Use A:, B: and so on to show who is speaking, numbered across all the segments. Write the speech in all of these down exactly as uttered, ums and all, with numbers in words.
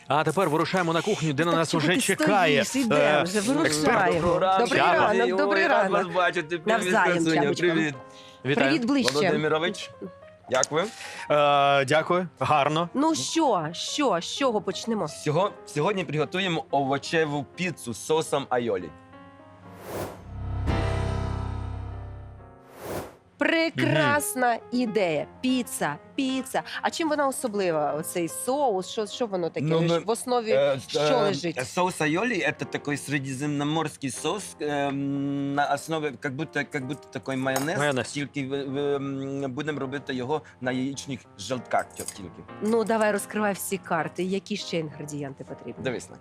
A: А тепер вирушаємо на кухню, де на
B: Так
A: нас
B: чого
A: уже
B: ти
A: чекає.
B: стоїш? Ідемо
A: е,
B: вже,
A: експерт.
B: вирушаємо. Добрий
A: Чаба.
B: ранок, добрий
C: Ой, рад
B: ранок.
C: вас бачити. Привіт,
B: Навзаєм,
C: красуня,
B: Чабочка.
C: привіт.
A: Вітаю.
B: Привіт ближче.
C: Володимирович, як ви?
A: Е, дякую, гарно.
B: Ну що, що, з чого почнемо?
C: Сього- Сьогодні приготуємо овочеву піцу з соусом айолі.
B: Прекрасна ідея. Піца, піца. А чим вона особлива? Оцей соус? Що, що воно таке?
C: Ну, ми-
B: В основі
C: Э,
B: що
C: э,
B: лежить?
C: Соус айоли – это такой средиземноморский соус э, на основі, как будто, как будто такой майонез,
A: Майонез.
C: тільки в- в- м, будемо робити його на яєчних желтках тільки.
B: Ну, давай розкривай всі карти. Які ще інгредієнти потрібні?
C: Дивись на.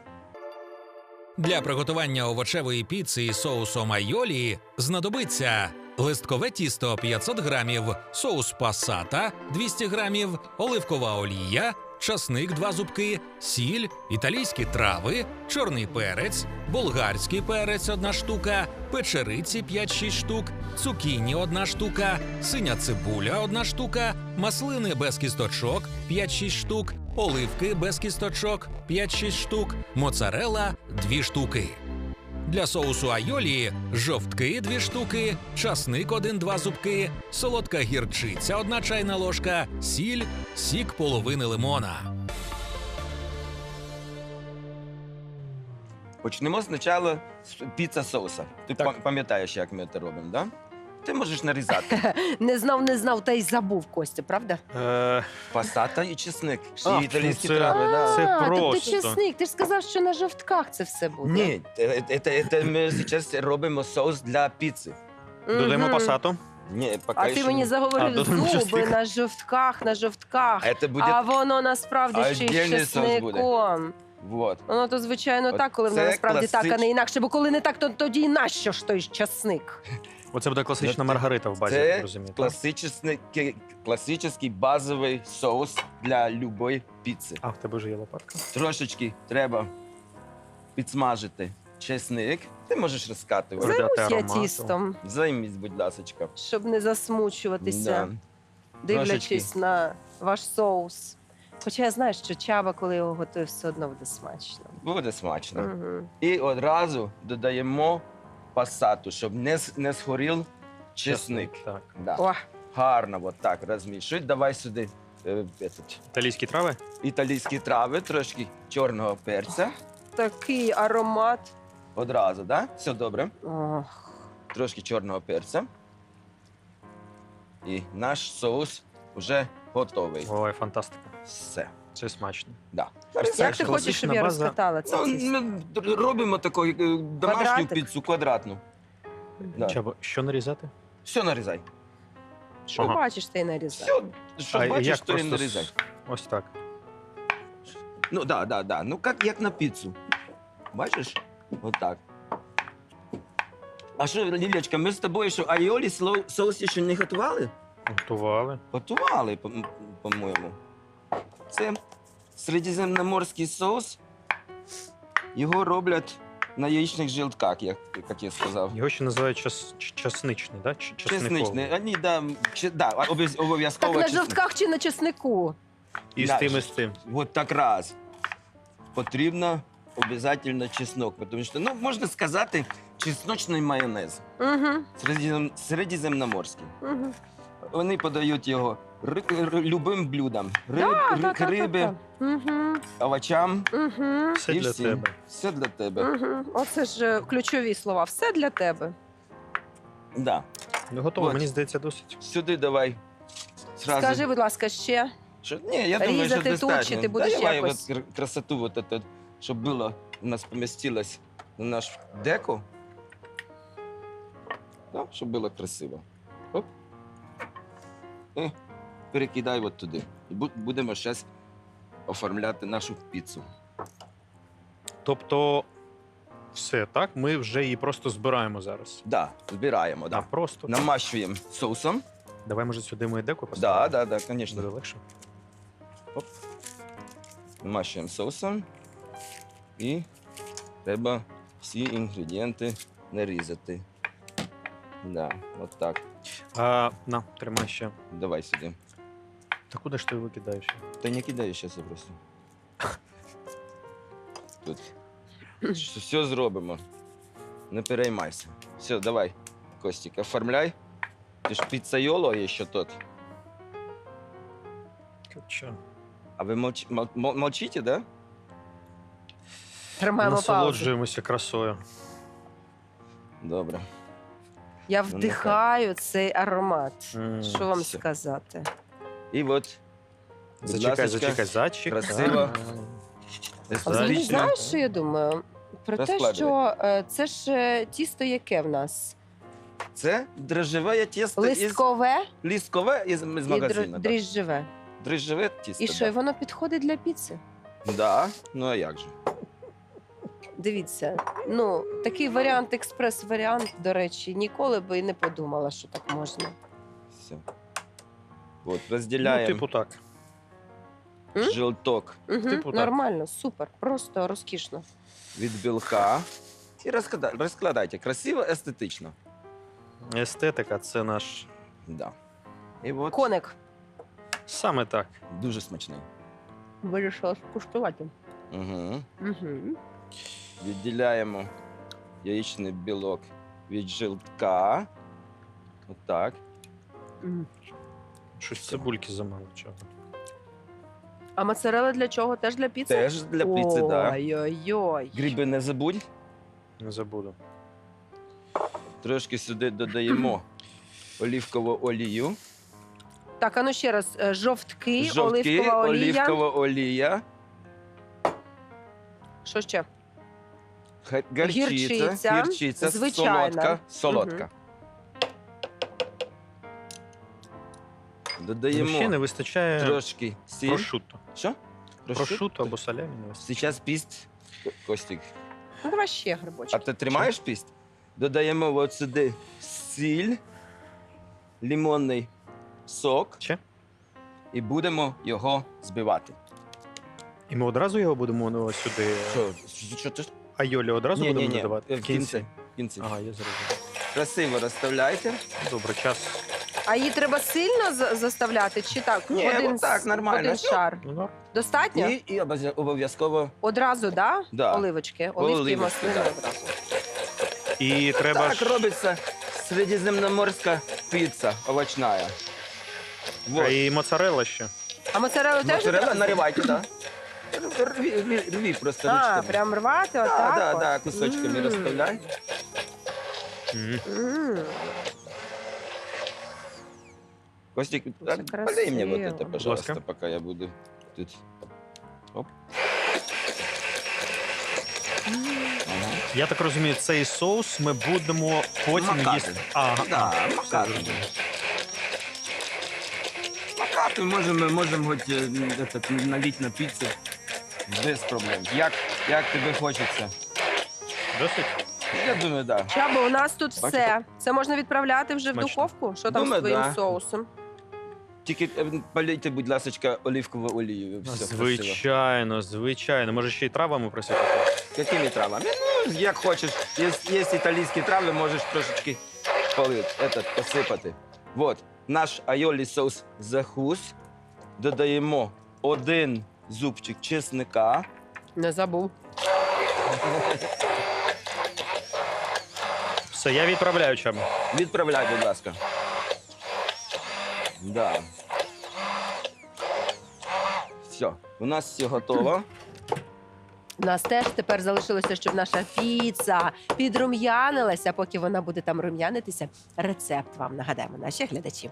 D: Для приготування овочевої піци із соусом айолі знадобиться листкове тісто п'ятсот грамів, соус пасата двісті грамів, оливкова олія, часник два зубки, сіль, італійські трави, чорний перець, болгарський перець одна штука, печериці п'ять-шість штук, цукіні одна штука, синя цибуля одна штука, маслини без кісточок п'ять-шість штук, оливки без кісточок п'ять-шість штук, моцарелла дві штуки. Для соусу айолі жовтки дві штуки, часник один-два зубки, солодка гірчиця одна чайна ложка, сіль, сік половини лимона.
C: Почнемо спочатку з піца соуса. Ти
A: Так.
C: пам- пам'ятаєш, як ми це робимо, да? Ти можеш нарізати
B: Не знав, не знав, та й забув, Костя, правда?
A: Е,
C: пасата і чесник,
A: А,
C: і італійські
A: це-
C: трави. Да.
A: Це
B: а, тобто
A: просто.
B: чесник. Ти ж сказав, що на жовтках це все буде.
C: Ні, це, це, це ми зараз робимо соус для піци.
A: додаємо
B: Мгм.
A: пасату.
C: Ні, поки
B: А ти
C: що
B: мені
C: ні.
A: А,
B: заговорив
A: додаємо
B: зуби
A: чесник.
B: на жовтках, на жовтках.
C: Це буде...
B: А воно насправді ще й з
C: Отдельний соус буде.
B: чесником.
C: Вот.
B: Воно то, звичайно,
C: От
B: так, коли воно
C: це
B: насправді так, а
C: класич-
B: не інакше. Бо коли не так, то тоді нащо ж той часник?
A: Оце буде класична
C: Це-
A: маргарита в базі, я
C: Це
A: так розумію. так?
C: класичний, класичний базовий соус для любої піци.
A: А, в тебе вже є лопатка.
C: Трошечки треба підсмажити чесник. Ти можеш розкатувати.
A: Додати
B: Займусь я
A: аромату.
B: тістом,
C: Займись, будь ласка.
B: щоб не засмучуватися,
C: Да.
B: дивлячись
C: Трошечки.
B: на ваш соус. Хоча я знаю, що чаба, коли його готує, все одно буде смачно.
C: Буде смачно.
B: Угу.
C: І одразу додаємо пасату, щоб не, с- не згорів чесник.
A: Так.
C: Да.
B: О,
C: Гарно, от так розмішуй. Давай сюди е, этот,
A: Італійські трави?
C: італійські трави, трошки чорного перця.
B: такий аромат.
C: Одразу, да? Все добре.
B: Ох.
C: Трошки чорного перця. І наш соус вже готовий.
A: Ой, фантастика.
C: Все.
A: Це смачно.
C: Да.
B: Як ти хочеш, щоб я
A: база.
B: розкатала це
C: Ну,
B: тісто?
C: ми робимо таку е, домашню
B: Квадратик?
C: піцу квадратну. Да.
A: Чабо, що нарізати?
C: Все нарізай.
B: Що
A: Ага.
B: бачиш, ти нарізай.
C: Все, що
A: А
C: бачиш,
A: як
C: то і
A: просто
C: нарізай.
A: с- Ось так.
C: Ну, да, да, да. Ну, як, як на піцу. Бачиш? Отак. А що, Лілечка, ми з тобою, що айолі сло- соус ще не готували?
A: Готували.
C: Готували, по- по-моєму. Це середземноморський соус. Його роблять на яєчних жилтках, як, як я сказав.
A: Його ще називають час, ч- часничний, да? Ч- часниковий.
C: Чесничний. Вони, да, чи, да, обов'яз-
B: Так
C: обов'язково
B: на
C: чесник.
B: жовтках чи на чеснику?
A: І з
C: Да,
A: тим, і з тим.
C: От так раз. Потрібно обов'язково чеснок, тому що, ну, можна сказати, чесночний майонез.
B: Угу,
C: Середзем- Середземноморський.
B: угу.
C: Вони подають його ри, ри- любим блюдам. Риб, ри- риби,
B: Угу,
C: овочам.
B: угу,
A: Все
C: і
A: для
C: всім.
A: тебе.
C: Все для тебе.
B: угу. Оце ж е, ключові слова. Все для тебе.
C: Да.
A: Ну, готово,
C: От.
A: мені здається, досить.
C: Сюди давай. Сразу.
B: Скажи, будь ласка, ще.
C: Що? Ні, я думаю,
B: різати
C: що
B: тут,
C: достатньо.
B: чи ти будеш
C: Давай
B: якось?
C: от кр- красоту, вот это, щоб було, у нас помістилось на наш деко. Да, щоб було красиво. Оп. І перекидай от туди. І бу- будемо зараз оформляти нашу піцу.
A: Тобто, все, так? Ми вже її просто збираємо зараз.
C: Да, збираємо,
A: А,
C: да.
A: просто.
C: Намащуємо соусом.
A: Давай, може, сюди ми деко
C: Да,
A: поставимо?
C: да, да,
A: Буде
C: звісно.
A: легше.
C: Намащуємо соусом. І треба всі інгредієнти нарізати. Да, от так.
A: А, на, тримай ще.
C: Давай сюди.
A: Та куди ж ти викидаєш?
C: Та не кидай зараз просто. тут. Все зробимо. Не переймайся. Все, давай, Костік, оформляй. Ти ж піцайоло є ще тут.
A: Чо?
C: А ви молч... мол... мол- молчите, да?
B: Тримаємо паузу.
A: Насолоджуємося красою.
C: Добре.
B: Я
C: Ну,
B: вдихаю цей аромат.
A: М,
B: Що вам
C: все.
B: сказати?
C: І от, будь
A: Зачекай,
C: ласочка,
A: зачекай, зачекай.
C: красиво.
B: А взагалі,
C: естетично.
B: знаєш, що я думаю? Про те,
C: Розкладуй.
B: що е, це ж е, тісто яке в нас?
C: Це дрожжеве тісто із...
B: Листкове
C: лісткове із, із
B: і
C: магазину.
B: др-
C: да.
B: дріжджеве.
C: Дрожжеве тісто,
B: І що, і
C: да.
B: воно підходить для піци?
C: Да, ну а як же?
B: Дивіться, ну такий варіант, експрес-варіант, до речі, ніколи би і не подумала, що так можна.
C: Все. От,
A: Ну,
C: розділяємо
A: типу так.
B: М?
C: жилток
B: Угу,
A: Типу так.
B: нормально, супер, просто розкішно.
C: від білка. І розкладайте, розкладайте. Красиво, естетично.
A: Естетика це наш.
C: Да. І от
B: Коник,
A: Саме так.
C: дуже смачний.
B: вирішила скуштувати.
C: Угу.
B: Угу.
C: Відділяємо яєчний білок від жилтка. Отак.
A: Щось цибульки замало чого.
B: А моцарелла для чого? Теж для піци?
C: Теж для піци, так. Да.
B: Ой-ой-ой.
C: Гриби не забудь.
A: Не забуду.
C: Трошки сюди додаємо олівкову олію.
B: Так, а ну ще раз. е, Жовтки,
C: Жовтки,
B: оливкова олія.
C: олівкова олія.
B: Що ще?
C: Га- Гарчиця,
B: Гірчиця,
C: гірчиця,
B: звичайна.
C: солодка, солодка. Додаємо
A: Ще не вистачає
C: трошки сіль.
A: прошутто.
C: Що?
A: Прошутто або салямі не вистачає.
C: Сейчас піст, Костік.
B: Ну, давай ще
C: А
B: грибочки.
C: ти тримаєш піст? Додаємо от сюди сіль, лимонний сок
A: Ще?
C: і будемо його збивати.
A: І ми одразу його будемо ну, сюди.
C: Що? Що ти?
A: Айолі одразу
C: Ні,
A: будемо
C: ні, ні.
A: додавати?
C: В кінці. В кінці.
A: Ага, я зрозумів.
C: Красиво розставляйте.
A: Добре, час.
B: А її треба сильно за- заставляти чи так?
C: Ні,
B: один,
C: отак,
B: с-
C: нормально.
B: один шар.
A: Ну, да.
B: Достатньо?
C: І, і обов'я- обов'язково
B: Одразу, да?
C: Да.
B: Оливочки. Оливки,
C: Оливочки,
B: маслини
C: да.
B: одразу.
A: І треба
C: так
A: ж
C: робиться середземноморська піца овочна.
A: а
C: Вот.
A: і моцарелла ще.
B: А моцарелу теж?
C: Моцарелла
B: одразу?
C: наривайте, да. Рві, рві, рві просто
B: А,
C: ручками.
B: прям рвати
C: Да,
B: отак?
C: да,
B: от?
C: да, кусочками
B: М.
C: розставляй.
A: М.
B: М.
C: Костик,
B: Це
C: а, полей мне вот
B: красиво.
C: это, пожалуйста,
A: ласка.
C: пока я буду тут. Оп. Ага.
A: Я так розумію, цей соус ми будемо потім
C: Макати.
A: їсти. Ага,
C: Да,
A: ага, все
C: макати.
A: зрозумів.
C: Макати можемо, можемо хоч е, этот, налить на піцу. Без проблем. Як, як тобі хочеться?
A: Досить?
C: Я думаю, да.
B: Чабо, у нас тут
C: Бачите?
B: все. Це можна відправляти вже в
A: Смачно.
B: духовку? Що там
C: Думаю,
B: з твоїм
C: да.
B: соусом?
C: Тільки е, полейте, будь ласка, оливкову олію. Все красиво.
A: Звичайно, звичайно. Може ще й травами просити?
C: Якими травами? Ну, як хочеш. Є, є італійські трави, можеш трошечки поли, этот, посипати. Вот, наш айолі соус захус. Додаємо один зубчик чесника.
B: Не забув.
A: Все, я відправляю чам.
C: Відправляй, будь ласка. Да. Все, у нас все готово.
B: У нас теж тепер залишилося, щоб наша піца підрум'янилася. Поки вона буде там рум'янитися, рецепт вам нагадаємо, наші глядачі.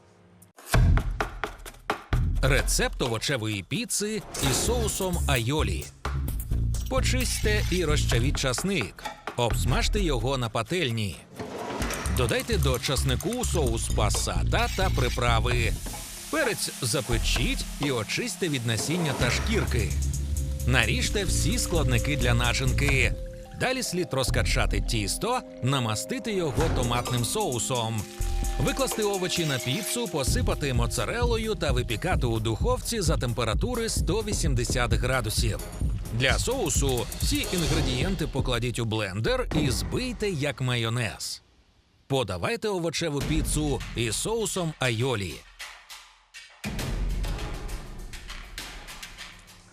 D: Рецепт овочевої піци із соусом айолі. Почистьте і розчавіть часник. Обсмажте його на пательні. Додайте до часнику соус пасата та приправи. Перець запечіть і очистьте від насіння та шкірки. Наріжте всі складники для начинки. Далі слід розкачати тісто, намастити його томатним соусом. Викласти овочі на піцу, посипати моцарелою та випікати у духовці за температури сто вісімдесят градусів. Для соусу всі інгредієнти покладіть у блендер і збийте як майонез. Подавайте овочеву піцу із соусом айолі.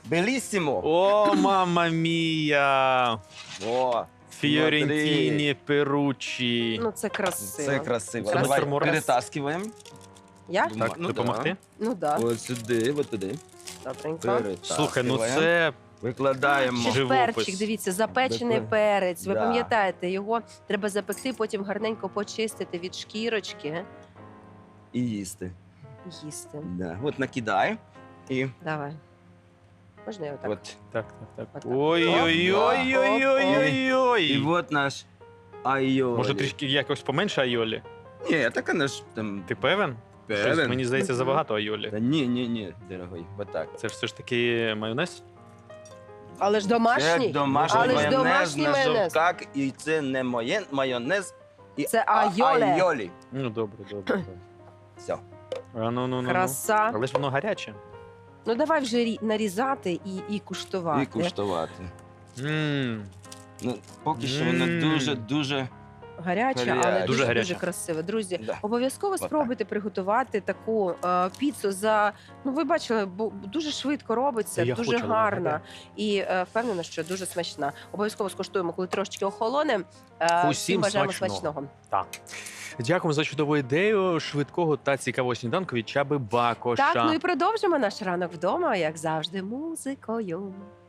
C: Белісімо.
A: О, мама мія!
C: О,
A: Фіорентіні Перучі.
B: Ну, це красиво.
C: це красиво.
B: Красиво.
C: Давай
A: Морес.
C: перетаскиваємо.
B: Я?
A: Так,
C: Ну,
A: допомогти?
B: Ну так, да.
C: От сюди, от туди.
B: добренько.
A: Слухай, ну
C: Перетаскиваємо.
A: це
C: Викладаємо.
B: Ще ж
A: Живопис.
B: перчик, дивіться, запечений
C: Дякую.
B: перець. Ви
C: Да.
B: пам'ятаєте, його треба запекти, потім гарненько почистити від шкірочки
C: І їсти.
B: і їсти.
C: Да. От накидай. І
B: Давай. Можна його так?
C: от.
A: так, так, так.
B: Отак.
A: Ой-ой-ой-ой-ой-ой.
C: І от наш айолі.
A: Може трішки якось поменше айолі?
C: Ні, так вона ж там
A: Ти певен? Щось,
C: певен.
A: мені здається,
B: Мгм.
A: забагато айолі.
C: Та ні, ні, ні, дорогой, от так.
A: Це ж все ж таки майонез?
B: Але ж
C: Це
B: домашній.
C: домашній
B: Але ж
C: майонез
B: домашній
C: на
B: майонез.
C: жовтках, і це не моє майонез, і
B: Це
C: а-
B: айоле.
C: айолі.
A: Ну, добре, добре. добре.
C: Все.
A: А, ну, ну, ну,
B: Краса.
A: ну. Але ж воно гаряче.
B: Ну давай вже рі- нарізати і, і куштувати.
C: І куштувати.
A: Мм.
C: Ну, поки що воно
A: Мм.
C: дуже-дуже...
B: Гаряче, але
C: Гаряче.
B: дуже,
A: Дуже
B: дуже,
A: гаряче.
B: красиве. Друзі,
C: Да.
B: обов'язково
C: Отак.
B: спробуйте приготувати таку е, піцу за, ну ви бачили, бо дуже швидко робиться,
A: Я
B: дуже
A: хочу, але
B: гарна
A: нагадаю.
B: і е, впевнена, що дуже смачна. Обов'язково скуштуємо, коли трошечки охолоне. Е,
A: Усім
B: бажаємо
A: смачного.
B: смачного.
A: Так. Дякуємо за чудову ідею швидкого та цікавого сніданку від Чаби Бакоша.
B: Так, ну і продовжимо наш ранок вдома, як завжди, музикою.